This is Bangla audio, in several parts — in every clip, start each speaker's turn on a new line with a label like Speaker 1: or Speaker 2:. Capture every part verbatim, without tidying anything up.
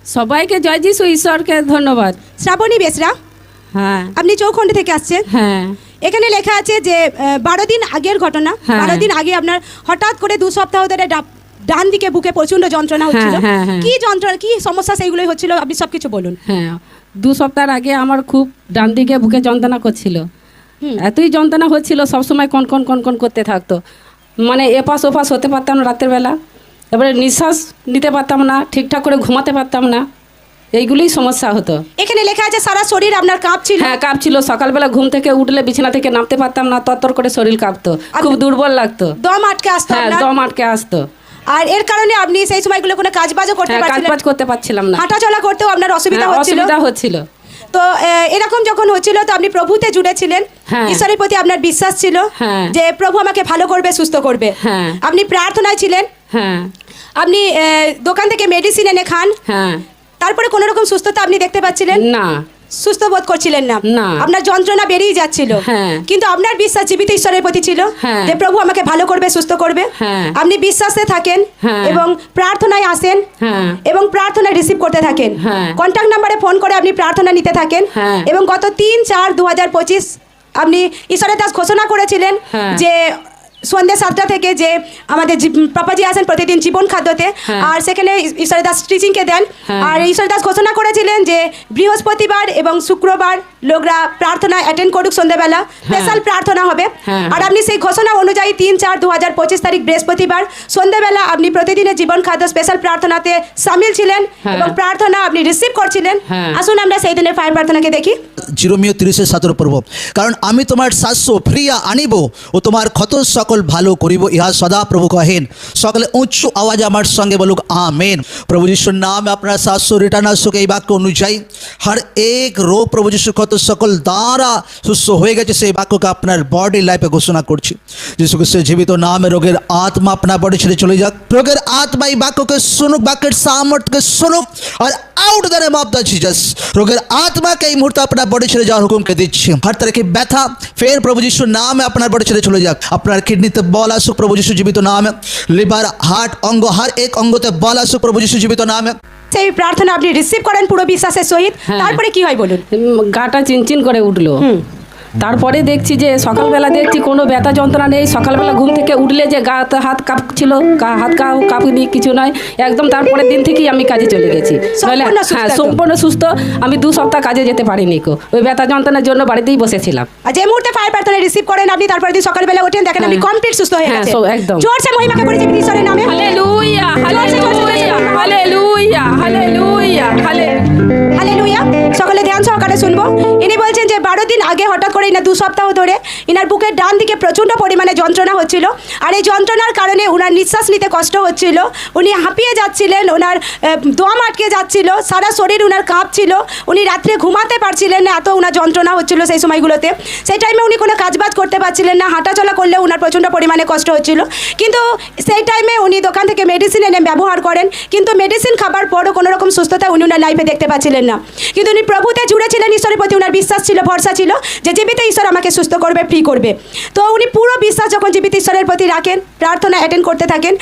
Speaker 1: সবাইকে জয় যিশু, ঈশ্বরকে ধন্যবাদ।
Speaker 2: শ্রাবণী বেসরা,
Speaker 1: হ্যাঁ
Speaker 2: আপনি চৌখণ্ড থেকে আসছেন।
Speaker 1: হ্যাঁ
Speaker 2: এখানে লেখা আছে যে আহ, বারো দিন আগের ঘটনা।
Speaker 1: হ্যাঁ।
Speaker 2: বারো দিন আগে আপনার হঠাৎ করে দু সপ্তাহ ধরে ডা- ডান দিকে বুকে প্রচন্ড যন্ত্রণা হচ্ছিল।
Speaker 1: হ্যাঁ, হ্যাঁ।
Speaker 2: কি যন্ত্রণা, কি সমস্যা সেইগুলোই হচ্ছিল, আপনি সবকিছু বলুন।
Speaker 1: হ্যাঁ দু সপ্তাহ আগে আমার খুব ডান দিকে বুকে যন্ত্রণা করছিল।
Speaker 2: হুম।
Speaker 1: এতই যন্ত্রণা হচ্ছিল, সবসময় কন কন কন কন করতে থাকতো। মানে এপাশ ওপাশ হতে পারতাম না রাতের বেলা, এবারে নিঃশ্বাস নিতে পারতাম না, ঠিকঠাক করে ঘুমাতে পারতাম না, এইগুলোই সমস্যা হতো।
Speaker 2: এখানে লেখা আছে সারা শরীর আপনার কাঁপছিল।
Speaker 1: হ্যাঁ কাঁপছিল, সকালবেলা ঘুম থেকে উঠলে বিছানা থেকে নামতে পারতাম না, তরতর করে শরীর কাঁপতো, খুব দুর্বল লাগতো।
Speaker 2: দম আটকে আসতো
Speaker 1: হ্যাঁ
Speaker 2: আপনার।
Speaker 1: দম আটকে আসতো।
Speaker 2: আর এর কারণে আপনি সেই সময়গুলো কোনো কাজ বাজও করতে
Speaker 1: হ্যাঁ কাজ
Speaker 2: পারছিলেন
Speaker 1: বাজ করতে পারছিলাম না,
Speaker 2: হাঁটা চলা করতেও আপনার অসুবিধা
Speaker 1: হ্যাঁ,
Speaker 2: হচ্ছিল।
Speaker 1: অসুবিধা হচ্ছিল।
Speaker 2: তো আহ, এরকম যখন হচ্ছিল তো আপনি প্রভুতে জুড়েছিলেন।
Speaker 1: হ্যাঁ।
Speaker 2: ঈশ্বরের প্রতি আপনার বিশ্বাস ছিল
Speaker 1: হ্যাঁ।
Speaker 2: যে প্রভু আমাকে ভালো করবে, সুস্থ করবে।
Speaker 1: হ্যাঁ।
Speaker 2: আপনি প্রার্থনায় ছিলেন।
Speaker 1: হ্যাঁ
Speaker 2: আপনি আহ, দোকান থেকে মেডিসিন এনে খান,
Speaker 1: হ্যাঁ
Speaker 2: তারপরে কোনো রকম সুস্থতা আপনি দেখতে পাচ্ছিলেন
Speaker 1: না,
Speaker 2: সুস্থ বোধ করছিলেন না।
Speaker 1: না।
Speaker 2: আপনার যন্ত্রণা বেরিয়ে যাচ্ছিল।
Speaker 1: হ্যাঁ।
Speaker 2: কিন্তু আপনার বিশ্বাস জীবিত ঈশ্বরের প্রতি ছিল
Speaker 1: হ্যাঁ।
Speaker 2: যে প্রভু আমাকে ভালো করবে, সুস্থ করবে।
Speaker 1: হ্যাঁ।
Speaker 2: আপনি বিশ্বাসে থাকেন
Speaker 1: হ্যাঁ।
Speaker 2: এবং প্রার্থনায় আসেন
Speaker 1: হ্যাঁ।
Speaker 2: এবং প্রার্থনা রিসিভ করতে থাকেন।
Speaker 1: হ্যাঁ।
Speaker 2: কন্ট্যাক্ট নাম্বারে ফোন করে আপনি প্রার্থনা নিতে থাকেন।
Speaker 1: হ্যাঁ।
Speaker 2: এবং গত তিন চার দু হাজার পঁচিশ আপনি ঈশ্বরের দাস ঘোষণা করেছিলেন
Speaker 1: হ্যাঁ।
Speaker 2: যে সন্ধ্যে সাতটা থেকে যে আমাদের জি- পাপাজি আসেন প্রতিদিন জীবন খাদ্যতে।
Speaker 1: হ্যাঁ।
Speaker 2: আর সেখানে ঈশ্বরের দাস টিচিংকে দেন।
Speaker 1: হ্যাঁ।
Speaker 2: আর ঈশ্বর দাস ঘোষণা করেছিলেন যে বৃহস্পতিবার এবং শুক্রবার লোকরা প্রার্থনা অ্যাটেন্ড করুক, সন্ধ্যেবেলা স্পেশাল প্রার্থনা হবে।
Speaker 1: হ্যাঁ।
Speaker 2: আর আপনি সেই ঘোষণা অনুযায়ী তিন চার দু হাজার পঁচিশ তারিখ বৃহস্পতিবার সন্ধ্যেবেলা আপনি প্রতিদিনের জীবন খাদ্য স্পেশাল প্রার্থনাতে সামিল ছিলেন
Speaker 1: হ্যাঁ।
Speaker 2: এবং প্রার্থনা আপনি রিসিভ করছিলেন।
Speaker 1: হ্যাঁ।
Speaker 2: আসুন আমরা সেই দিনের ফায়ার প্রার্থনাকে দেখি।
Speaker 3: জিরোমিও তিরিশের সতেরো পর্ব। কারণ আমি তোমার শাস্য ফিরিয়া আনিব ও তোমার ক্ষত সকল ভালো করিব, ইহা সদা প্রভু কহেন। সকলে উচ্চ আওয়াজ আমার সঙ্গে বলুক আমেন। প্রভু যিশুর নাম আপনার শাস্য রিটার্ন আসুক। এই বাক্য অনুযায়ী হর এক রোগ প্রভু যিশু ক্ষত সকল দ্বারা সুস্থ হয়ে গেছে, সেই বাক্যকে আপনার বডি লাইফে ঘোষণা করছি। যিশু খ্রিস্টের জীবিত নামে রোগের আত্মা আপনার বডি ছেড়ে চলে যাক। রোগের আত্মা এই বাক্যকে শুনুক, বাক্যের সামর্থ্যকে শুনুক আর out the name of the Jesus. রোগের আত্মাকে এই মুহূর্তে আপনার বডি ছেড়ে যাওয়ার হুকুমকে দিচ্ছি। হর তারিখে ব্যথা ফের প্রভু যিশুর নামে আপনার বডি ছেড়ে চলে যাক। আপনার কিডনিতে বল আসুক প্রভু যিশু জীবিত নামে। লিভার, হার্ট, অঙ্গ, হর এক অঙ্গতে বল আসুক প্রভু যিশু জীবিত নামে।
Speaker 2: সেই প্রার্থনা আপনি রিসিভ করেন পুরো বিশ্বাসের সহিত।
Speaker 1: হ্যাঁ।
Speaker 2: তারপরে কি হয় বলুন।
Speaker 1: উম, গাটা চিনচিন করে উঠলো। তারপরে দেখছি যে সকালবেলা দেখছি কোনো ব্যথা যন্ত্রণা নেই। সকালবেলা ঘুম থেকে উঠলে যে গা হাত কাঁপছিল, গা- হাত কাপ কাঁপুনি কিছু নয় একদম। তারপরের দিন থেকেই আমি কাজে চলে গেছি। নইলে-
Speaker 2: সম্পূর্ণ সুস্থ
Speaker 1: হ্যাঁ
Speaker 2: তো?
Speaker 1: সম্পূর্ণ সুস্থ। আমি দু সপ্তাহ কাজে যেতে পারিনি কো, ওই ব্যথা যন্ত্রণার জন্য বাড়িতেই বসেছিলাম।
Speaker 2: আর যে মুহূর্তে ফায়ার প্রার্থনা রিসিভ করেন আপনি, তারপরে দিন সকালবেলা ওঠেন দেখেন আপনি
Speaker 1: হ্যাঁ।
Speaker 2: কমপ্লিট সুস্থ হয়ে
Speaker 1: হ্যাঁ,
Speaker 2: গেছেন।
Speaker 1: সব একদম।
Speaker 2: জোরসে মহিমাকে করে জীবিত ঈশ্বরের নামে।
Speaker 1: Hallelujah, hallelujah, hallelujah, hallelujah, hallelujah.
Speaker 2: Hallelujah. সকলে ধ্যান সহকারে শুনবো। ইনি বলছেন যে বারো দিন আগে হঠাৎ করে ইনার দু সপ্তাহ ধরে ইনার বুকের ডান দিকে প্রচণ্ড পরিমাণে যন্ত্রণা হচ্ছিল। আর এই যন্ত্রণার কারণে ওনার নিঃশ্বাস নিতে কষ্ট হচ্ছিল, উনি হাঁপিয়ে যাচ্ছিলেন, ওনার আহ, দম আটকে যাচ্ছিল, সারা শরীর ওনার কাঁপছিল, উনি রাত্রে ঘুমাতে পারছিলেন না, এত ওনার যন্ত্রণা হচ্ছিল সেই সময়গুলোতে। সেই টাইমে উনি কোনো কাজবাজ করতে পারছিলেন না, হাঁটাচলা করলেও ওনার প্রচণ্ড পরিমাণে কষ্ট হচ্ছিল। কিন্তু সেই টাইমে উনি দোকান থেকে মেডিসিন এনে ব্যবহার করেন, কিন্তু মেডিসিন খাবার পরও কোনো রকম সুস্থতা উনি ওনার লাইফে দেখতে পাচ্ছিলেন না। কিন্তু উনি প্রভুতে জুড়ে ছিলেন, ঈশ্বরের প্রতি ওনার বিশ্বাস ছিল, ভরসা ছিল যে জীবিত ঈশ্বর আমাকে সুস্থ করবে, ফ্রি করবে। তো উনি পুরো বিশ্বাস যখন জীবিত ঈশ্বরের প্রতি রাখেন, প্রার্থনা অ্যাটেন্ড করতে থাকেন।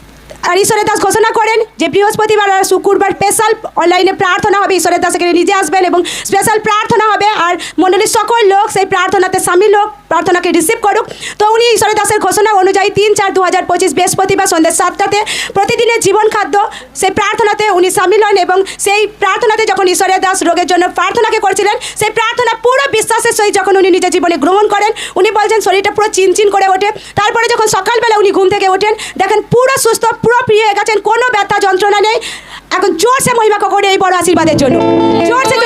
Speaker 2: আর ঈশ্বরের দাস ঘোষণা করেন যে বৃহস্পতিবার আর শুক্রবার স্পেশাল অনলাইনে প্রার্থনা হবে। ঈশ্বরের দাস এখানে নিজে আসবেন এবং স্পেশাল প্রার্থনা হবে। আর মণ্ডলীর সকল লোক সেই প্রার্থনাতে সামিল হোক, প্রার্থনাকে রিসিভ করুক। তো উনি ঈশ্বরের দাসের ঘোষণা অনুযায়ী তিন চার দু হাজার পঁচিশ বৃহস্পতিবার সন্ধ্যে সাতটাতে প্রতিদিনের জীবন খাদ্য সেই প্রার্থনাতে উনি সামিল হন। এবং সেই প্রার্থনাতে যখন ঈশ্বরের দাস রোগের জন্য প্রার্থনাকে করছিলেন, সেই প্রার্থনা পুরো বিশ্বাসের সহিত যখন উনি নিজের জীবনে গ্রহণ করেন, উনি বলছেন শরীরটা পুরো চিনচিন করে ওঠে। তারপরে যখন সকালবেলা উনি ঘুম থেকে ওঠেন দেখেন পুরো সুস্থ, পুরো ফ্রি হয়ে গেছেন, কোনো ব্যথা যন্ত্রণা নেই। এখন জোরসে মহিমা করে এই বড় আশীর্বাদের জন্য জোরসে